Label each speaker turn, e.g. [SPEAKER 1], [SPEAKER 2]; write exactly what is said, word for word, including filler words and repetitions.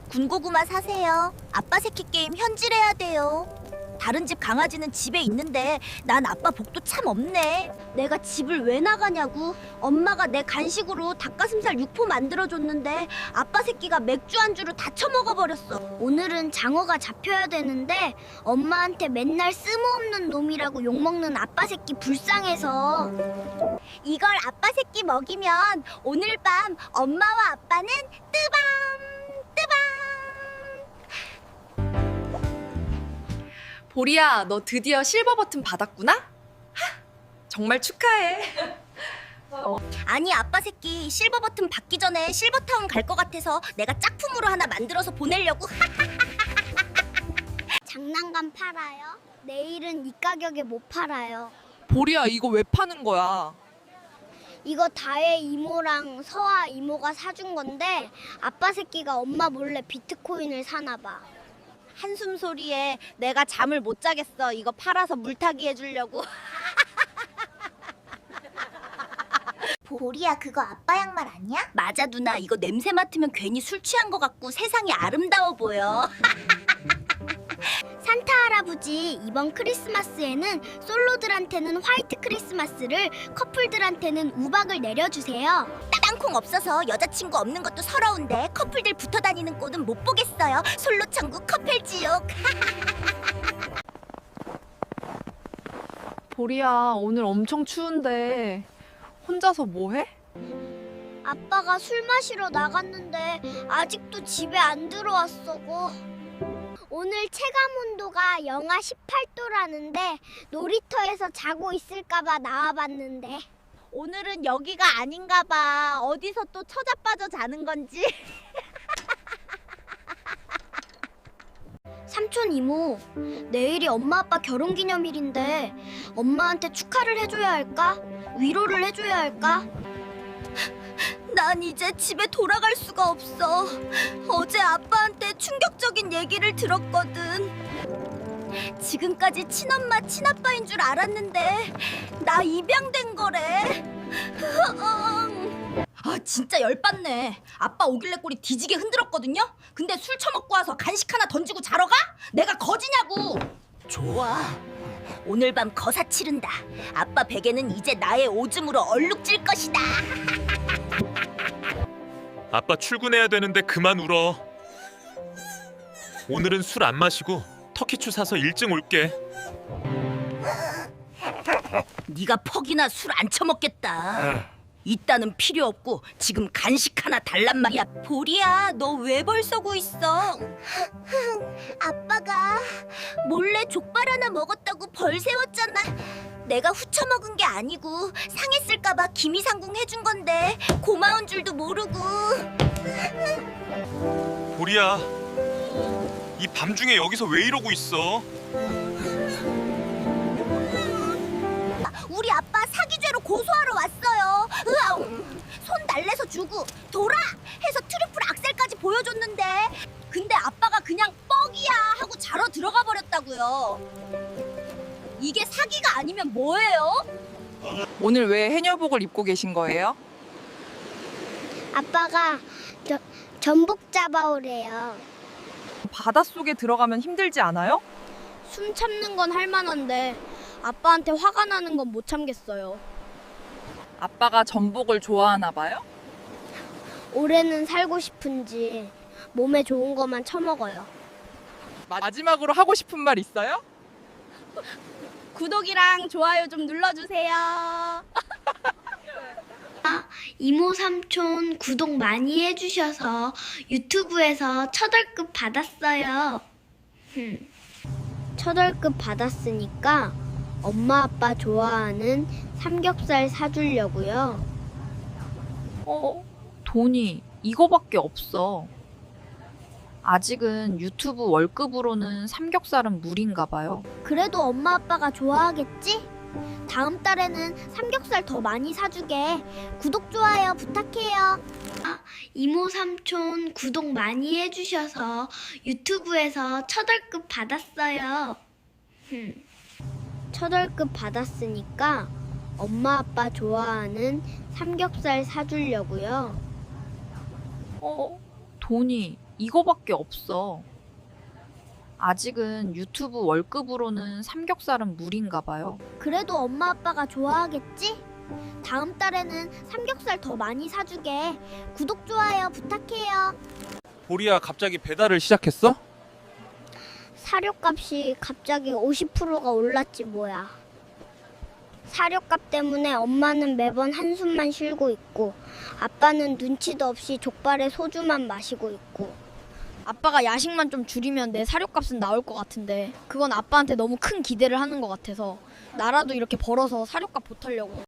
[SPEAKER 1] 군고구마 사세요. 아빠 새끼 게임 현질해야 돼요. 다른 집 강아지는 집에 있는데 난 아빠 복도 참 없네. 내가 집을 왜 나가냐고. 엄마가 내 간식으로 닭가슴살 육포 만들어줬는데 아빠 새끼가 맥주 안주로 다 처먹어버렸어. 오늘은 장어가 잡혀야 되는데 엄마한테 맨날 쓸모없는 놈이라고 욕먹는 아빠 새끼 불쌍해서 이걸 아빠 새끼 먹이면 오늘 밤 엄마와 아빠는 뜨밤 뜨밤.
[SPEAKER 2] 보리야, 너 드디어 실버 버튼 받았구나? 하, 정말 축하해.
[SPEAKER 1] 아니 아빠 새끼 실버 버튼 받기 전에 실버타운 갈 것 같아서 내가 짝품으로 하나 만들어서 보내려고. 장난감 팔아요? 내일은 이 가격에 못 팔아요.
[SPEAKER 3] 보리야, 이거 왜 파는 거야?
[SPEAKER 1] 이거 다혜 이모랑 서아 이모가 사준 건데 아빠 새끼가 엄마 몰래 비트코인을 사나 봐. 한숨 소리에 내가 잠을 못 자겠어. 이거 팔아서 물타기 해주려고. 보리야, 그거 아빠 양말 아니야? 맞아 누나. 이거 냄새 맡으면 괜히 술 취한 것 같고 세상이 아름다워 보여. 산타 할아버지 이번 크리스마스에는 솔로들한테는 화이트 크리스마스를, 커플들한테는 우박을 내려주세요. 땅콩 없어서 여자친구 없는 것도 서러운데 커플들 붙어 다니는 꼴은 못 보겠어요. 솔로 천국 커플 지옥.
[SPEAKER 3] 보리야, 오늘 엄청 추운데 혼자서 뭐 해?
[SPEAKER 1] 아빠가 술 마시러 나갔는데 아직도 집에 안 들어왔어고. 오늘 체감 온도가 영하 십팔 도라는데 놀이터에서 자고 있을까봐 나와봤는데 오늘은 여기가 아닌가봐. 어디서 또 처자빠져 자는 건지. 삼촌 이모, 내일이 엄마 아빠 결혼기념일인데 엄마한테 축하를 해줘야 할까? 위로를 해줘야 할까? 난 이제 집에 돌아갈 수가 없어. 어제 아빠한테 충격적인 얘기를 들었거든. 지금까지 친엄마 친아빠인 줄 알았는데 나 입양된 거래. 아 진짜 열받네. 아빠 오길래 꼬리 뒤지게 흔들었거든요. 근데 술 처먹고 와서 간식 하나 던지고 자러 가? 내가 거지냐고. 좋아, 오늘 밤 거사 치른다. 아빠 베개는 이제 나의 오줌으로 얼룩질 것이다.
[SPEAKER 4] 아빠 출근해야 되는데 그만 울어. 오늘은 술 안 마시고 터키추 사서 일찍 올게.
[SPEAKER 1] 네가 퍽이나 술 안 처먹겠다. 이따는 필요 없고 지금 간식 하나 달란 말이야. 보리야, 너 왜 벌써고 있어? 아빠가 몰래 족발 하나 먹었다고 벌 세웠잖아. 내가 후쳐 먹은 게 아니고 상했을까봐 김이상궁 해준 건데 고마운 줄도 모르고.
[SPEAKER 4] 보리야, 이 밤중에 여기서 왜 이러고 있어?
[SPEAKER 1] 우리 아빠 사기죄로 고소하러 왔어요. 으아, 손 달래서 주고 돌아 해서 트리플 악셀까지 보여줬는데 근데 아빠가 그냥 뻑이야 하고 자러 들어가 버렸다고요. 이게 사기가 아니면 뭐예요?
[SPEAKER 3] 오늘 왜 해녀복을 입고 계신 거예요?
[SPEAKER 1] 아빠가 저, 전복 잡아오래요.
[SPEAKER 3] 바닷속에 들어가면 힘들지 않아요?
[SPEAKER 5] 숨 참는 건 할만한데 아빠한테 화가 나는 건 못 참겠어요.
[SPEAKER 3] 아빠가 전복을 좋아하나 봐요?
[SPEAKER 5] 올해는 살고 싶은지 몸에 좋은 것만 처먹어요.
[SPEAKER 3] 마지막으로 하고 싶은 말 있어요?
[SPEAKER 5] 구독이랑 좋아요 좀 눌러주세요.
[SPEAKER 1] 이모 삼촌 구독 많이 해주셔서 유튜브에서 첫 월급 받았어요.
[SPEAKER 5] 첫 월급 받았으니까 엄마 아빠 좋아하는 삼겹살 사주려고요.
[SPEAKER 2] 어, 돈이 이거밖에 없어. 아직은 유튜브 월급으로는 삼겹살은 무리인가 봐요.
[SPEAKER 5] 그래도 엄마 아빠가 좋아하겠지? 다음 달에는 삼겹살 더 많이 사주게. 구독 좋아요 부탁해요.
[SPEAKER 1] 이모 삼촌 구독 많이 해주셔서 유튜브에서 첫 월급 받았어요.
[SPEAKER 5] 첫 월급 받았으니까 엄마 아빠 좋아하는 삼겹살 사주려고요.
[SPEAKER 2] 어, 돈이
[SPEAKER 6] 이거밖에 없어. 아직은 유튜브 월급으로는 삼겹살은 무리인가 봐요.
[SPEAKER 5] 그래도 엄마 아빠가 좋아하겠지? 다음 달에는 삼겹살 더 많이 사주게. 구독, 좋아요 부탁해요.
[SPEAKER 4] 보리야, 갑자기 배달을 시작했어?
[SPEAKER 5] 사료값이 갑자기 오십 퍼센트가 올랐지 뭐야. 사료값 때문에 엄마는 매번 한숨만 쉬고 있고 아빠는 눈치도 없이 족발에 소주만 마시고 있고.
[SPEAKER 7] 아빠가 야식만 좀 줄이면 내 사료값은 나올 것 같은데 그건 아빠한테 너무 큰 기대를 하는 것 같아서 나라도 이렇게 벌어서 사료값 보태려고.